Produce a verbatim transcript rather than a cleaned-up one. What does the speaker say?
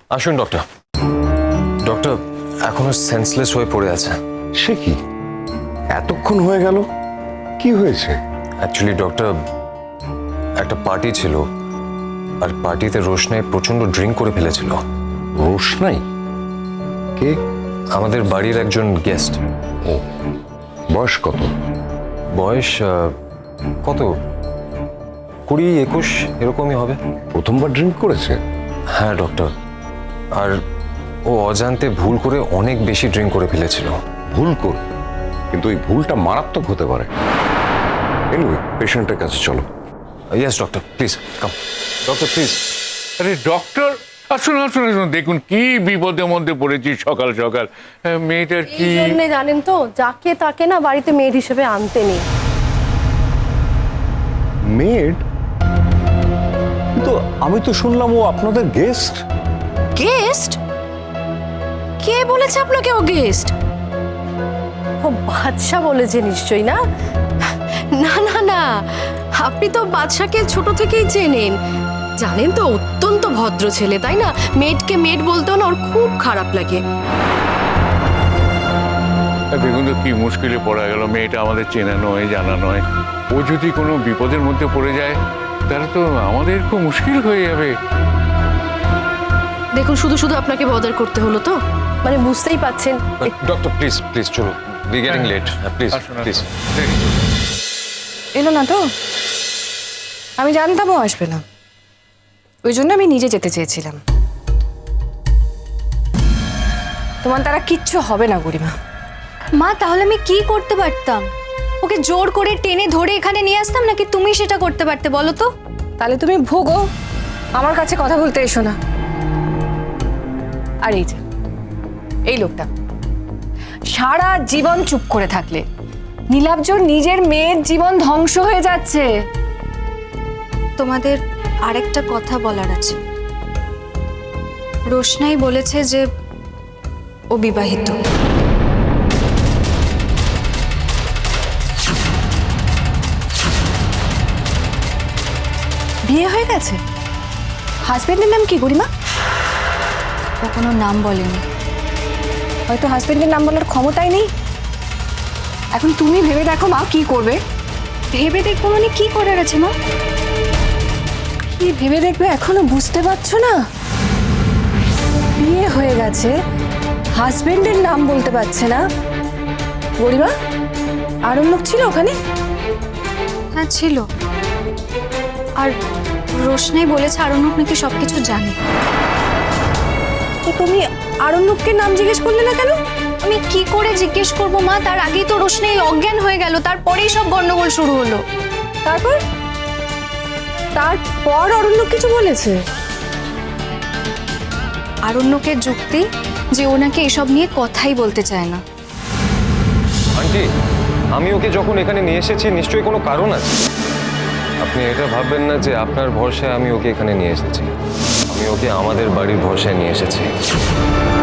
আসুন doctor. Doctor এখনো senseless হয়ে পড়ে আছে। সে কি, এতক্ষণ হয়ে গেল? কি হয়েছে? অ্যাকচুয়ালি ডক্টর, একটা পার্টি ছিল, আর পার্টিতে রোশনাই প্রচন্ড ড্রিঙ্ক করে ফেলেছিল। রোশনাই? কে? আমাদের বাড়ির একজন গেস্ট। ও, বয়স কত? বয়স আহ, কত কুড়ি একুশ এরকমই হবে। প্রথমবার ড্রিঙ্ক করেছে? হ্যাঁ ডক্টর, আর ও অজান্তে ভুল করে অনেক বেশি ড্রিঙ্ক করে ফেলেছিল। ভুল করে? কিন্তু এই ভুলটা মারাত্মক হতে পারে। এনিওয়ে, পেশেন্টের কাছে চলো। Yes doctor, please come. Doctor please. আরে ডক্টর, আসুন আসুন আসুন, দেখুন কি বিপদের মধ্যে পড়েছি সকাল সকাল। আহ, মেয়েটার কি এই জন্যে জানেন তো, যাকে তাকে না বাড়িতে মেয়ের হিসেবে আনতে নেই। মেড? তো আমি তো শুনলাম ও আপনাদের গেস্ট। গেস্ট? কে বলেছে আপনাকে ও গেস্ট? ও বাদশা বলেছে নিশ্চয়ই না? না না না, আপনি তো বাদশাকে ছোট থেকেই চেনেন, জানেন তো অত্যন্ত ভদ্র ছেলে, তাই না? মেয়েটকে মেড বলতেও না ওর খুব খারাপ লাগে। দেখুন তো কি মুশকিলে পড়া গেল। মেয়েটা আমাদের চেনা নয়, জানা নয়। ও যদি কোনো বিপদের মধ্যে পড়ে যায় তাহলে তো আমাদের খুব মুশকিল হয়ে যাবে। দেখুন, শুধু শুধু আপনাকে বদার করতে হলো তো। মানে বুঝতেই পাচ্ছেন। ডক্টর প্লিজ প্লিজ চলো, উই গেটিং লেট, প্লিজ আসুন প্লিজ। আসুন, দেরি করুন। এলো না তো? আমি জানতাম ও আসবে না, ওই জন্য আমি নিজে যেতে চেয়েছিলাম। তোমার দ্বারা কিচ্ছু হবে না গরিমা। মা, তাহলে আমি কি করতে পারতাম? ওকে জোর করে টেনে ধরে এখানে নিয়ে আসতাম, নাকি তুমি সেটা করতে পারতে বলো তো? তাহলে তুমি ভোগো, আমার কাছে কথা বলতে এসো না। আর এই যে এই লোকটা সারা জীবন চুপ করে থাকলে নীলাব্জর নিজের মেয়ের জীবন ধ্বংস হয়ে যাচ্ছে। তোমাদের আরেকটা কথা বলার আছে। রোশনাই বলেছে যে ও বিবাহিত। বিয়ে হয়ে গেছে? হাজবেন্ডের নাম কি গরিমা? ও কোনো নাম বলেনি। হয়তো হাজবেন্ডের নাম বলার ক্ষমতাই নেই। এখন তুমি ভেবে দেখো মা, কি করবে? ভেবে দেখবো মানে কি করার আছে মা? কি ভেবে দেখবে এখনো বুঝতে পারছো না? বিয়ে হয়ে গেছে, হাজবেন্ডের নাম বলতে পারছে না। গরিমা, আরও লোক ছিল ওখানে? হ্যাঁ ছিল। আর রোশনাই বলেছে আরণ্যক নাকি সবকিছু জানে। তো তুমি আরণ্যককে নাম জিজ্ঞেস করলে না কেন? আমি কি করে জিজ্ঞেস করবো মা? তার আগেই তো রোশনাই অজ্ঞান হয়ে গেল, তারপরেই সব গন্ডগোল শুরু হলো। তারপর তারপর অরণ্যক কিছু বলেছে? আরণ্যকের যুক্তি যে ও নাকি এসব নিয়ে কথাই বলতে চায় না। আন্টি, আমি ওকে যখন এখানে নিয়ে এসেছি নিশ্চয়ই কোনো কারণ আছে। আপনি এটা ভাববেন না যে আপনার ভরসায় আমি ওকে এখানে নিয়ে এসেছি। আমি ওকে আমাদের বাড়ির ভরসায় নিয়ে এসেছি।